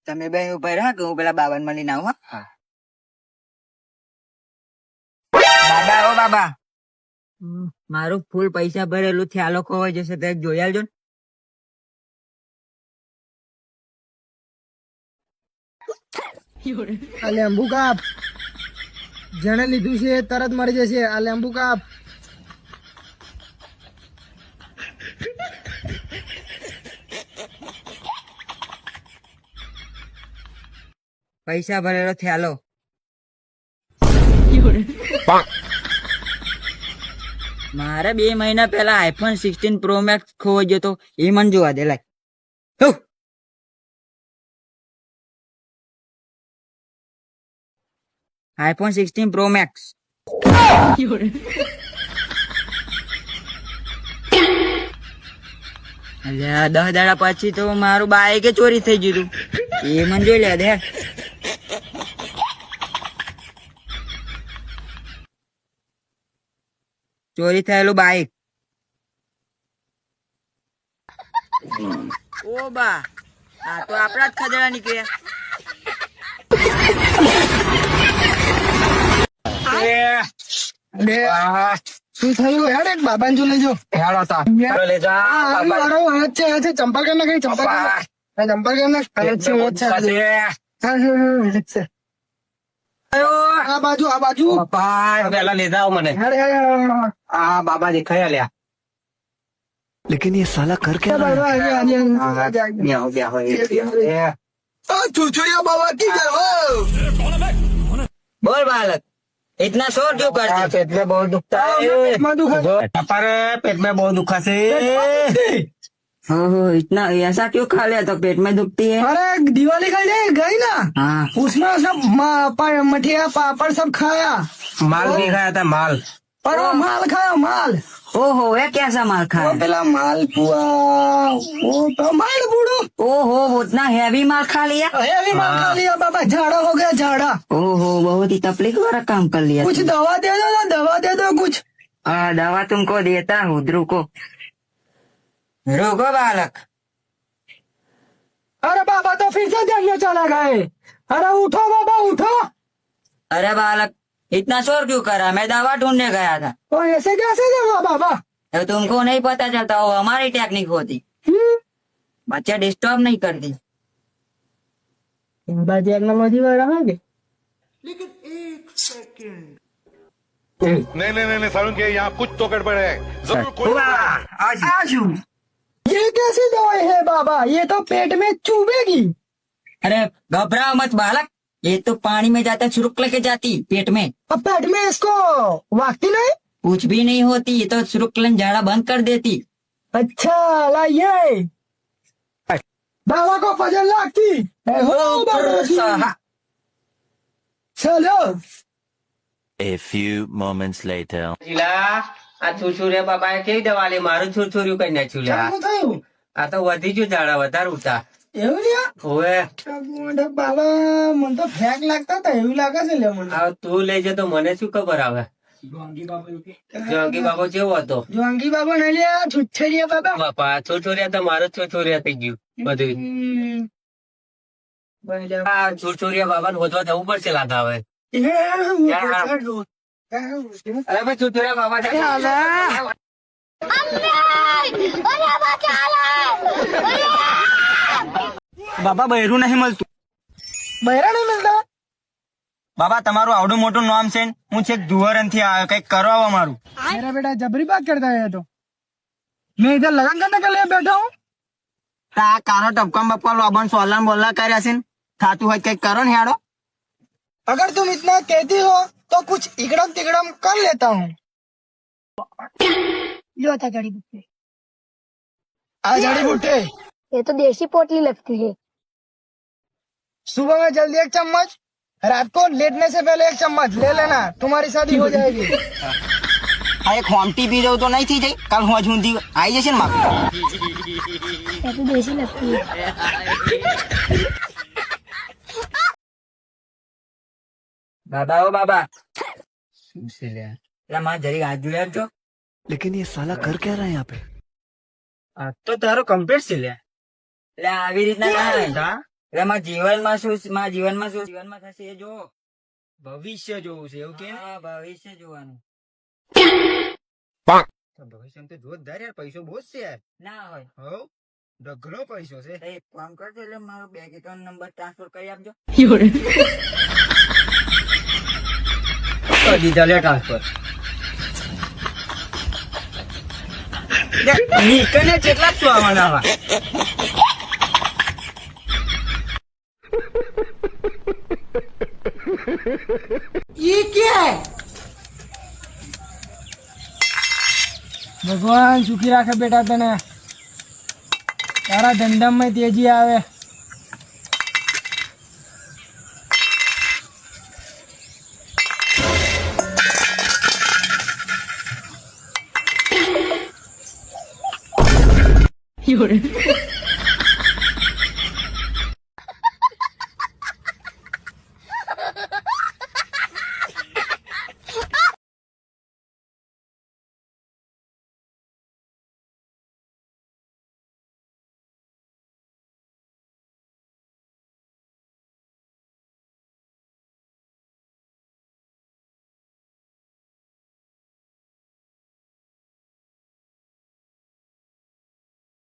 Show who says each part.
Speaker 1: તમે બે ઉભા રહો કે હું પેલા બાબા મળીને આવું. હા બાબા, ઓ બાબા, મારું ફૂલ પૈસા ભરેલું છે, આ લોકો હોય જશે તો જોઈ આવજો ને.
Speaker 2: આ લેંબુ કાપ, જેને લીધું છે તરત મરી જશે. આ લેંબુ કાપ.
Speaker 1: પૈસા ભરેલો છે, હાલો. મારે 2 મહિના પહેલા આઈફોન 16 પ્રો મેક્સ ખોવાઈ ગયો તો, એ મને જોવા દે. લાય આઈફોન 16 પ્રો મેક્સ. 10 દાડા પછી તો મારું બાઈક ચોરી થઈ ગયું હતું, એ મને જોઈ લે દે. ચોરી થયેલું બાઈક. ઓ બા, આ તો આપણા જ ખદડા નીકળ્યા.
Speaker 2: શું થયું યાર? એક બાબા જો લેજો. ચંપલ કર નાખ, ચંપલ કર નાખ. આ બાજુ
Speaker 3: પેલા લેતા આવો મને. આ બાબા દેખાયા લ્યા.
Speaker 4: लेकिन ये साला कर क्या रहा है?
Speaker 2: छुछुरिया बाबा की जय हो.
Speaker 1: बोल बालक, इतना शोर क्यों करते?
Speaker 3: पेट में बहुत दुखता है. पेट में बहुत दुखा से.
Speaker 1: हो इतना ऐसा क्यों खा लिया तो पेट में दुखती है?
Speaker 2: अरे दिवाली का डे गई ना,
Speaker 1: हाँ,
Speaker 2: उसमें सब मठिया पापड़ सब खाया.
Speaker 3: माल भी खाया था, माल.
Speaker 2: पर वो माल खाया, माल.
Speaker 1: ओहो, ये कैसा माल
Speaker 2: वो
Speaker 1: खाया?
Speaker 2: पेला माल पुआ, वो तो माल बूढ़ो.
Speaker 1: ओहो, उतना हैवी माल खा लिया?
Speaker 2: हेवी माल खा लिया बाबा, झाड़ा हो गया झाड़ा.
Speaker 1: ओहो, बहुत ही तकलीफ वाला काम कर लिया.
Speaker 2: कुछ दवा दे दो ना, दवा दे दो कुछ.
Speaker 1: दवा तुमको देता हूँ, रुको. रुको बालक.
Speaker 2: अरे बाबा तो फिर से देखने चला गए. अरे उठो बाबा उठो.
Speaker 1: अरे बालक, इतना शोर क्यों करा? मैं दवा ढूंढने गया था.
Speaker 2: तो ऐसे कैसे देगा बाबा?
Speaker 1: तो तुमको नहीं पता चलता, वो हमारी टेक्निक होती. बच्चा डिस्टर्ब नहीं करती.
Speaker 2: टेक्नोलॉजी वगैरह है क्या?
Speaker 5: नहीं सारुण के यहाँ कुछ तो गड़बड़ है. जरूर कोई
Speaker 2: आजू. ये कैसी दवाई है बाबा? ये तो पेट में चुभेगी.
Speaker 1: अरे घबराओ मत बालक, ये तो पानी में जाता छुरुक लेके जाती पेट में.
Speaker 2: अब पेट में इसको वागती नहीं?
Speaker 1: कुछ भी नहीं होती, ये तो छुरुकलन झाड़ा बंद कर देती.
Speaker 2: अच्छा लाइए. बाबा को पजल लगती. चलो.
Speaker 4: A few moments later.
Speaker 3: આ છુછુરિયા બાબાએ કેવી દવા લે? મારું છુછુરિયું કઈ નાખ્યું લ્યા.
Speaker 2: શું થયું?
Speaker 3: આ તો વધી ગયું ઝાડા, વધારે ઉતા.
Speaker 2: એવું લ્યા?
Speaker 3: હોવે.
Speaker 2: બાબા મને તો ફેક લાગતા હતા, એવું લાગે છે લે મને.
Speaker 3: આ તું લઈ જતો મને શું ખબર આવે? જોંગી બાબો કેવો હતો?
Speaker 2: જોંગી બાબા નહીં લ્યા, છુચ્છરિયા બાબા.
Speaker 3: બાપા છુછુરિયા તો મારું છુછુરિયા થઈ ગયું બધું. આ છુછુરિયા બાબાને ગોતવા જવું પડશે લાગે હવે. અરે ભાઈ છુછુરિયા બાબા
Speaker 1: બાબા બહેરું નહીં મળતું.
Speaker 2: બહેરા નહીં મિલતા?
Speaker 1: બાબા તમારું આવડું મોટું નામ છે, હું છેક ધુવરન થી આવ્યો, કઈક કરો મારું.
Speaker 2: मेरा बेटा जबरी बात करता है तो. मैं इधर लगन करने के लिए बैठा हूँ.
Speaker 1: આ કારો ટપકા બપકા લોબન સોલન બોલા કર્યા છે, થાતું હોય કઈક કરો ને હેડો.
Speaker 2: अगर तुम इतना कहती हो तो कुछ इकड़म तिकड़म कर लेता हूँ.
Speaker 6: लो था जड़ी बूटी.
Speaker 2: आ जड़ी बूटे.
Speaker 6: ये तो देसी पोटली लगती है.
Speaker 2: सुबह में जल्दी 1 चम्मच, रात को लेटने से पहले 1 चम्मच ले लेना, तुम्हारी शादी हो जाएगी.
Speaker 1: આ એક હોમટી પી જવું તો નહીં થઈ જાય, કાલ હોજ ઊંધી આવી જશે ને મારું.
Speaker 6: ये तो देसी लगती है.
Speaker 1: બાબા ઓ બાબા, એટલે મારે જરી હાથ જોઈ આપજો.
Speaker 4: लेकिन ये साला कर क्या रहा है यहाँ पे?
Speaker 1: તો તારો કમ્પ્લીટ છે લ્યા. એટલે આવી રીતના ના એટલે મારા જીવનમાં જીવનમાં થશે એ જો.
Speaker 2: ભવિષ્ય જોવું છે એવું કે ને?
Speaker 1: હા, ભવિષ્ય જોવાનું.
Speaker 2: તો ભવિષ્ય તો જોરદાર યાર, પૈસો બહુ જ છે યાર.
Speaker 1: ના હોય
Speaker 2: હો ઢગલો પૈસો છે.
Speaker 1: તો એક કામ કરજો, એટલે મારો બેંક એકાઉન્ટ નંબર ટ્રાન્સફર કરી આપજો.
Speaker 3: કરી દીધા લે ટ્રાન્સફર.
Speaker 1: નીકળને કેટલા શું આવવાના આવા?
Speaker 2: ये क्या है? ભગવાન સુખી રાખે બેટા તને, તારા ધંધામાં તેજી આવે.